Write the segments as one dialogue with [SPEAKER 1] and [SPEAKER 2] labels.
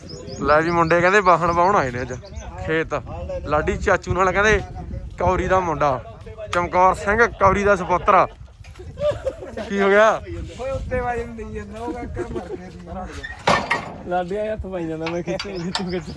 [SPEAKER 1] ਲੈ ਵੀ ਮੁੰਡੇ ਕਹਿੰਦੇ ਵਾਹਣ ਵਾਹੁਣ ਆਏ ਨੇ ਅੱਜ ਖੇਤ। ਲਾਡੀ ਚਾਚੂ ਨਾਲ ਕਹਿੰਦੇ ਕੌਰੀ ਦਾ ਮੁੰਡਾ ਚਮਕੌਰ ਸਿੰਘ ਕੌਰੀ ਦਾ ਸਪੁੱਤਰ। ਕੀ ਹੋ ਗਿਆ?
[SPEAKER 2] ਓਏ ਉੱਤੇ ਵਾਜੇ ਨੂੰ ਦੇਈ ਜਾਂਦਾ ਉਹ ਕਾਕਾ ਮਰ ਗਿਆ ਸੀ। ਲਾਡੀਆਂ ਹੱਥ ਪਾਈ ਜਾਂਦਾ ਮੈਂ ਖਿੱਚੇ ਤੂੰ ਖਿੱਚੇ।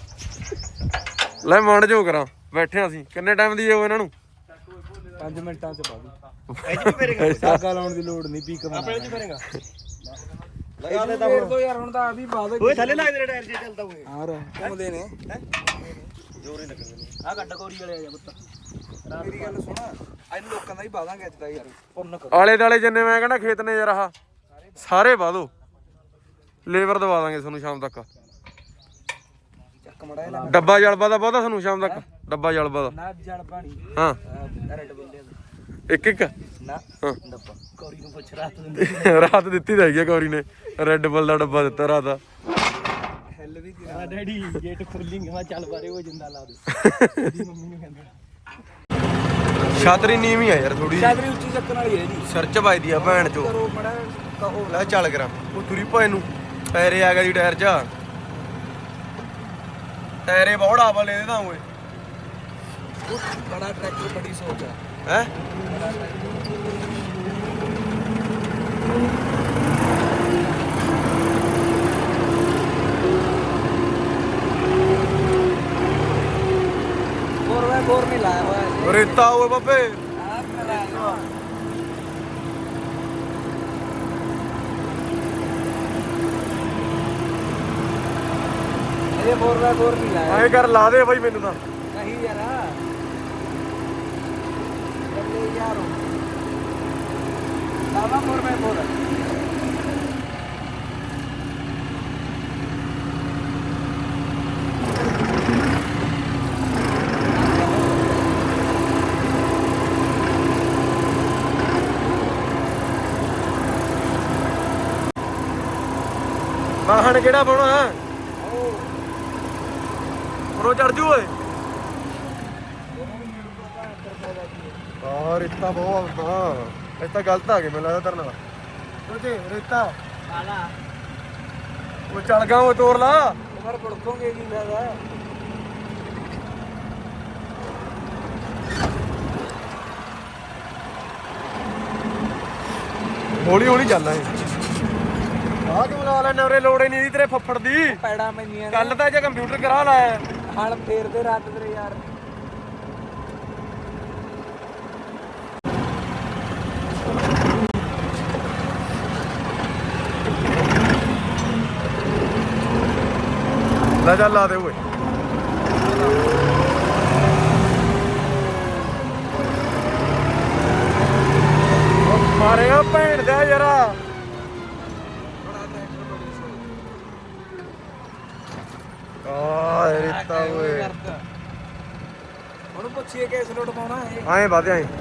[SPEAKER 1] ਲੈ ਮੰਡ ਜੋ ਕਰਾਂ ਬੈਠੇ ਅਸੀਂ। ਕਿੰਨੇ ਟਾਈਮ ਦੀ ਜਾਓ ਇਹਨਾਂ ਨੂੰ?
[SPEAKER 2] 5 ਮਿੰਟਾਂ ਚ ਪਾ ਦੂੰ। ਸਾਗਾ ਲਾਉਣ ਦੀ ਲੋੜ ਨਹੀਂ ਪੀਕ ਆਪਣੇ ਚ ਕਰੇਗਾ। ਲਗਾ ਦੇ ਤਾਂ ਯਾਰ ਹੁਣ ਤਾਂ ਆ ਵੀ ਬਾਦ ਓਏ ਥੱਲੇ ਲਾ ਦੇ ਟਾਇਰ ਜੇ ਚੱਲਦਾ ਹੋਏ ਯਾਰ ਘੁੰਮਦੇ ਨੇ ਜੋਰ ਹੀ ਲੱਗਦੇ ਨੇ। ਆ ਗੱਡ ਕੋਰੀ ਵਾਲੇ ਆ ਜਾ ਪੁੱਤ। ਮੇਰੀ ਗੱਲ ਸੁਣ ਇਹਨੂੰ ਲੋਕਾਂ ਦਾ ਹੀ ਬਾਦਾਂਗੇ ਅੱਜ ਦਾ ਯਾਰ ਪੁੰਨ ਕਰ।
[SPEAKER 1] ਆਲੇ ਦਾਲੇ ਜਿੰਨੇ ਮੈਂ ਕਹਿੰਦਾ ਖੇਤ ਨੇ ਯਾਰ ਆਹ ਸਾਰੇ ਵਾ ਦੋ। ਲੇਬਰ ਦਵਾ ਦਾਂਗੇ ਤੁਹਾਨੂੰ ਸ਼ਾਮ ਤੱਕ।
[SPEAKER 2] ਚੱਕ ਮੜਾ
[SPEAKER 1] ਡੱਬਾ ਜਲਬਾ ਦਾ ਬਹੁਤਾ ਤੁਹਾਨੂੰ ਸ਼ਾਮ ਤੱਕ। ਡੱਬਾ ਜਲਬਾ ਦਾ
[SPEAKER 2] ਨਾ ਜਲ ਪਾਣੀ
[SPEAKER 1] ਹਾਂ
[SPEAKER 2] ਰੈਡ ਬੰਦੇ
[SPEAKER 1] ਇੱਕ ਇੱਕ
[SPEAKER 2] ਨਾ
[SPEAKER 1] ਹਾਂ
[SPEAKER 2] ਡੱਬਾ ਕੌਰੀ ਨੂੰ ਪੁੱਛ ਰਾਤ ਦਿੰਦੀ
[SPEAKER 1] ਰਾਤ ਦਿੱਤੀ ਤਾਂ ਹੈਗੀ ਕੌਰੀ ਨੇ। ਰੈੱਡ ਬੁੱਲ ਦਾ ਡੱਬਾ ਦਿੱਤਾ ਰਾਤ ਦਾ।
[SPEAKER 2] ਹੈਲ ਵੀ ਆ ਡੈਡੀ ਗੇਟ ਖੋਲਿੰਗੇ ਮੈਂ ਚੱਲ ਬਾਰੇ ਉਹ ਜਿੰਦਾ ਲਾ ਦੇ ਦੀ ਮੰਮੀ ਨੂੰ ਕਹਿੰਦਾ।
[SPEAKER 1] ਛਾਤਰੀ ਨੀਵੀਂ ਆ ਯਾਰ ਥੋੜੀ।
[SPEAKER 2] ਛਾਤਰੀ ਉੱਚੀ ਚੱਕਣ ਵਾਲੀ ਹੈ ਜੀ।
[SPEAKER 1] ਸਿਰ ਚ ਵੱਜਦੀ ਆ ਭੈਣ ਚੋ।
[SPEAKER 2] ਕਰੋ ਮੜਾ ਕਹੋ
[SPEAKER 1] ਲੈ ਚੱਲ ਕਰਾਂ ਉਹ ਤੁਰੀ ਭਾਏ ਨੂੰ ਟਾਇਰੇ ਆ ਗਿਆ ਜੀ ਟਾਇਰ ਚ। ਟਾਇਰੇ ਬਹੁਤ ਆਵਾ ਲੈ ਦੇਦਾ ਓਏ।
[SPEAKER 2] ਬੜਾ ਟਰੈਕਟਰ ਬੜੀ ਸੋਚ ਹੈ
[SPEAKER 1] ਹੈ
[SPEAKER 2] बोर नहीं लाया हुआ है
[SPEAKER 1] रेता हुए बाबे।
[SPEAKER 2] अरे बोर नहीं लाया
[SPEAKER 1] आए कर ला दे भाई मैनू।
[SPEAKER 2] नहीं यार जल्दी यार लावा बोर
[SPEAKER 1] ਵਾਹਣ ਕਿਹੜਾ ਪਾਉਣਾ? ਉਹ ਚੜ ਜੂ ਓਏ। ਰੇਤਾ ਬਹੁਤ ਹਾਂ ਇਹ ਤਾਂ ਗਲਤ ਆ ਗਏ ਮੈਨੂੰ ਲੱਗਦਾ ਤੇਰੇ ਨਾਲ। ਸੋਚੇ ਰੇਤਾ ਉਹ ਚੱਲ ਗਾ ਉਹ ਤੋੜ ਲਾ।
[SPEAKER 2] उधर पड़कोगे की ज्यादा
[SPEAKER 1] ਹੌਲੀ ਹੌਲੀ ਚੱਲਣਾ ਏ। ਆਹ ਕਿਉਂ ਲਾ ਲੈਣਾ ਉਰੇ? ਲੋੜ ਹੀ ਨਹੀਂ ਇਹਦੀ ਤੇਰੇ ਫੱਫੜ ਦੀ।
[SPEAKER 2] पैड़ा में
[SPEAKER 1] ਕੱਲ ਤਾਂ ਜੇ ਕੰਪਿਊਟਰ ਕਰਾ ਲਾਇਆ
[SPEAKER 2] हल फेर दे रात तेरे यार।
[SPEAKER 1] ਲੈ ਚੱਲ ਲਾ ਦੇ ਓਏ। ਮਾਰੇਗਾ ਭੈਣ ਦਾ ਯਾਰਾ। ਆ ਰੇਤਾ ਓਏ।
[SPEAKER 2] ਹੁਣ ਪੁੱਛੀਏ ਕਿਸ ਲੋਟ ਪਾਉਣਾ ਹੈ।
[SPEAKER 1] ਆਏ ਵਾਦੇ ਆਏ।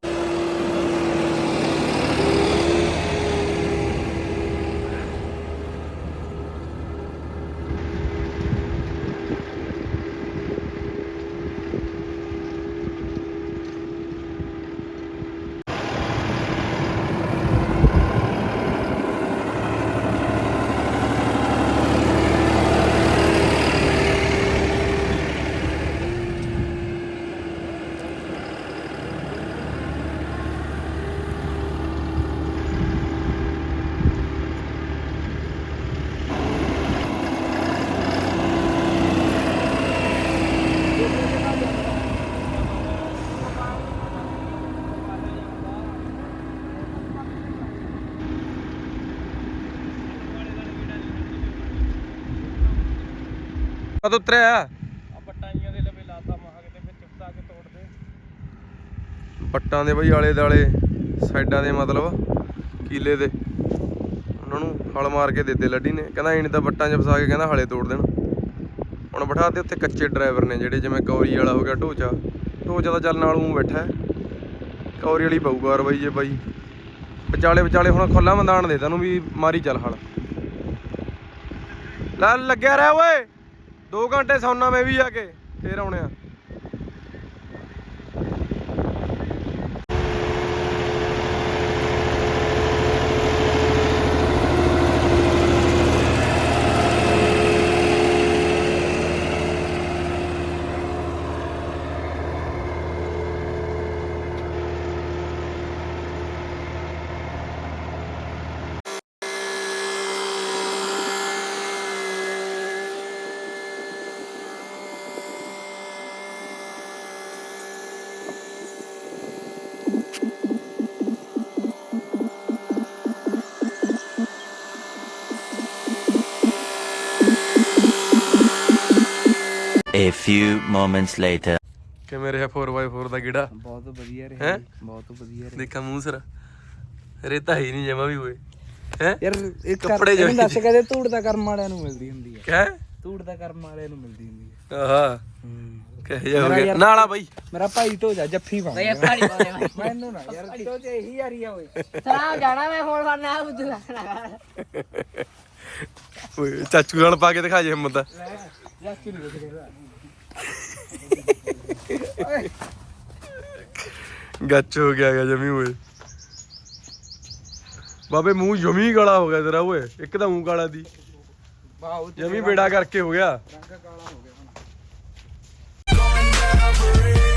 [SPEAKER 1] ਕਦ ਉਤਰਿਆ?
[SPEAKER 2] ਪੱਟਾਈਆਂ ਦੇ ਲਵੇ ਲਾਤਾ ਮਹਾ ਕਿਤੇ ਵਿੱਚ ਚੁੱਪਤਾ ਕੇ ਤੋੜ ਦੇ।
[SPEAKER 1] ਪੱਟਾਂ ਦੇ ਬਈ ਆਲੇ ਦਾਲੇ ਸਾਈਡਾਂ ਦੇ ਮਤਲਬ ਕੀਲੇ ਦੇ ਉਹਨਾਂ ਨੂੰ ਹਲ ਮਾਰ ਕੇ ਦਿੱਤੇ ਲੱਡੀ ਨੇ। ਕਹਿੰਦਾ ਇਹਨੇ ਤਾਂ ਪੱਟਾਂ 'ਚ ਫਸਾ ਕੇ ਕਹਿੰਦਾ ਹਲੇ ਤੋੜ ਦੇਣ। ਹੁਣ ਬਿਠਾ ਤੇ ਉੱਥੇ ਕੱਚੇ ਡਰਾਈਵਰ ਨੇ ਜਿਹੜੇ ਜਿਵੇਂ ਕੌਰੀ ਵਾਲਾ ਹੋ ਗਿਆ ਢੋਚਾ ਤਾਂ ਚੱਲ ਨਾਲ ਊਂ ਬੈਠਾ। ਕੌਰੀ ਵਾਲੀ ਪਊਗਾ ਰਬਈ ਜੇ ਬਾਈ ਵਿਚਾਲੇ ਹੁਣ ਖੁੱਲਾ ਮੈਦਾਨ ਦੇ ਤੈਨੂੰ ਵੀ ਮਾਰੀ ਚੱਲ ਹਲ। ਲੈ ਲੱਗਿਆ ਰਿਹਾ ਓਏ 2 ਘੰਟੇ ਸੌਣਾ ਮੈਂ ਵੀ ਆ ਕੇ ਫੇਰ ਆਉਣੇ ਆ।
[SPEAKER 3] few moments later.
[SPEAKER 1] ਕਿਵੇਂ ਰਿਹਾ 4x4 ਦਾ ਗੇੜਾ?
[SPEAKER 2] ਬਹੁਤ ਵਧੀਆ
[SPEAKER 1] ਹੈਂ?
[SPEAKER 2] ਰਿਹਾ ਬਹੁਤ ਵਧੀਆ ਰਿਹਾ
[SPEAKER 1] ਦੇਖਾ ਮੂੰਹ ਸਿਰ ਰੇਤਾ ਹੀ ਨਹੀਂ ਜਮਾ ਵੀ ਹੋਏ ਹੈ
[SPEAKER 2] ਯਾਰ ਇਹ
[SPEAKER 1] ਕੱਪੜੇ
[SPEAKER 2] ਇਹਨੂੰ ਦੱਸ ਕਦੇ ਧੂੜ ਦਾ ਕਰਮ ਵਾਲਿਆਂ ਨੂੰ ਮਿਲਦੀ ਹੁੰਦੀ ਹੈ
[SPEAKER 1] ਕਹਿ
[SPEAKER 2] ਧੂੜ ਦਾ ਕਰਮ ਵਾਲਿਆਂ ਨੂੰ ਮਿਲਦੀ ਹੁੰਦੀ ਹੈ
[SPEAKER 1] ਆਹਾ ਕਹੇ ਜਾ ਹੋ ਗਿਆ ਨਾਲਾ ਬਾਈ
[SPEAKER 2] ਮੇਰਾ ਭਾਈ ਧੋ ਜਾ ਜੱਫੀ ਪਾ
[SPEAKER 4] ਬਈ ਪਾਣੀ ਪਾਉਣੇ
[SPEAKER 2] ਮੈਨੂੰ ਨਾ ਯਾਰ ਧੋ ਚ ਇਹੀ ਯਾਰੀ ਆ ਓਏ
[SPEAKER 4] ਸਲਾਮ ਜਾਣਾ ਮੈਂ ਫੋਨ ਕਰਨਾ ਆ ਬੁੱਧ ਰੱਖਣਾ
[SPEAKER 1] ਓਏ ਚਾਚੂ ਨਾਲ ਪਾ ਕੇ ਦਿਖਾ ਜੇ ਹਿੰਮਤ
[SPEAKER 2] ਜੱਫੀ ਨਹੀਂ ਦੇਖਦਾ
[SPEAKER 1] ਗੱਚ ਹੋ ਗਿਆ ਗਾ ਜਮੀ ਓਏ ਬਾਬੇ ਮੂੰਹ ਜਮੀ ਕਾਲਾ ਹੋ ਗਿਆ ਤੇਰਾ ਓਏ ਇੱਕ ਤਾਂ ਮੂੰਹ ਕਾਲਾ ਦੀ
[SPEAKER 2] ਵਾਹ
[SPEAKER 1] ਜਮੀ ਬੇੜਾ ਕਰਕੇ ਹੋ ਗਿਆ
[SPEAKER 2] ਰੰਗ ਕਾਲਾ ਹੋ ਗਿਆ ਹੁਣ